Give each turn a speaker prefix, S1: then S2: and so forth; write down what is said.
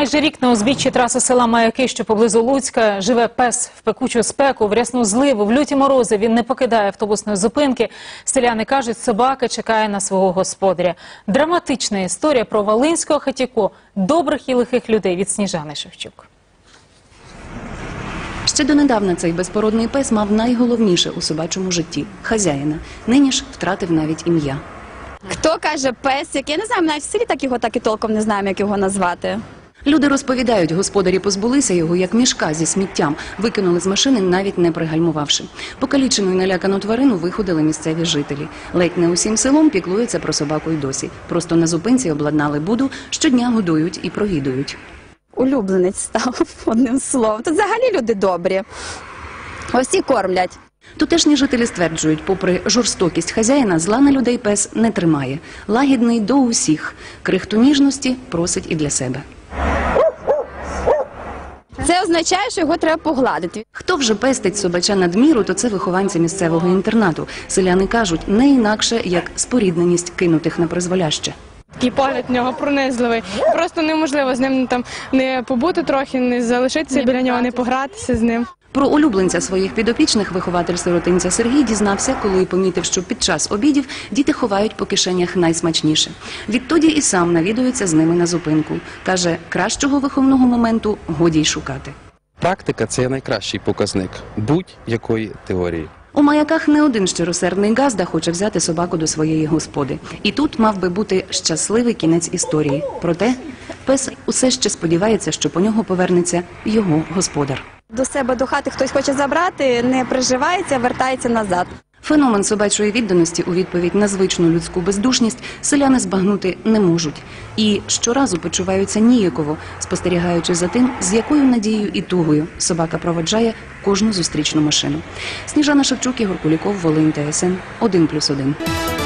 S1: Майже рік на узбіччі траси села Маяки, що поблизу Луцька, живе пес. В пекучу спеку, в рясну зливу, в люті морози він не покидає автобусної зупинки. Селяни кажуть, собака чекає на свого господаря. Драматична історія про волинського хатіко, добрих і лихих людей від Сніжани Шевчук.
S2: Ще донедавна цей безпородний пес мав найголовніше у собачому житті – хазяїна. Нині ж втратив навіть ім'я.
S3: Хто каже песик? Я не знаю, навіть в селі так і толком не знаємо, як його назвати.
S2: Люди розповідають, господарі позбулися його як мішка зі сміттям, викинули з машини, навіть не пригальмувавши. Покалічену і налякану тварину виходили місцеві жителі. Ледь не усім селом піклуються про собаку й досі. Просто на зупинці обладнали буду, щодня годують і провідують.
S3: Улюбленець став, одним словом. Тут взагалі люди добрі. Ось і кормлять.
S2: Тутешні жителі стверджують, попри жорстокість хазяїна, зла на людей пес не тримає. Лагідний до усіх. Крихту ніжності просить і для себе.
S3: Це означає, що його треба погладити.
S2: Хто вже пестить собача надміру, то це вихованці місцевого інтернату. Селяни кажуть, не інакше, як спорідненість кинутих на призволяще.
S4: Такий погляд в нього пронизливий. Просто неможливо з ним там не побути трохи, не залишитися біля нього, не погратися з ним.
S2: Про улюбленця своїх підопічних вихователь сиротинця Сергій дізнався, коли помітив, що під час обідів діти ховають по кишенях найсмачніше. Відтоді і сам навідується з ними на зупинку. Каже, кращого виховного моменту годі й шукати.
S5: Практика – це найкращий показник будь-якої теорії.
S2: У Маяках не один щиросердний газда хоче взяти собаку до своєї господи. І тут мав би бути щасливий кінець історії. Проте пес усе ще сподівається, що по нього повернеться його господар.
S3: До себе до хати хтось хоче забрати, не приживається, вертається назад.
S2: Феномен собачої відданості у відповідь на звичну людську бездушність селяни збагнути не можуть. І щоразу почуваються ніяково, спостерігаючи за тим, з якою надією і тугою собака проводжає кожну зустрічну машину. Сніжана Шевчук, Ігор Куліков, Волинь, ТСН 1+1.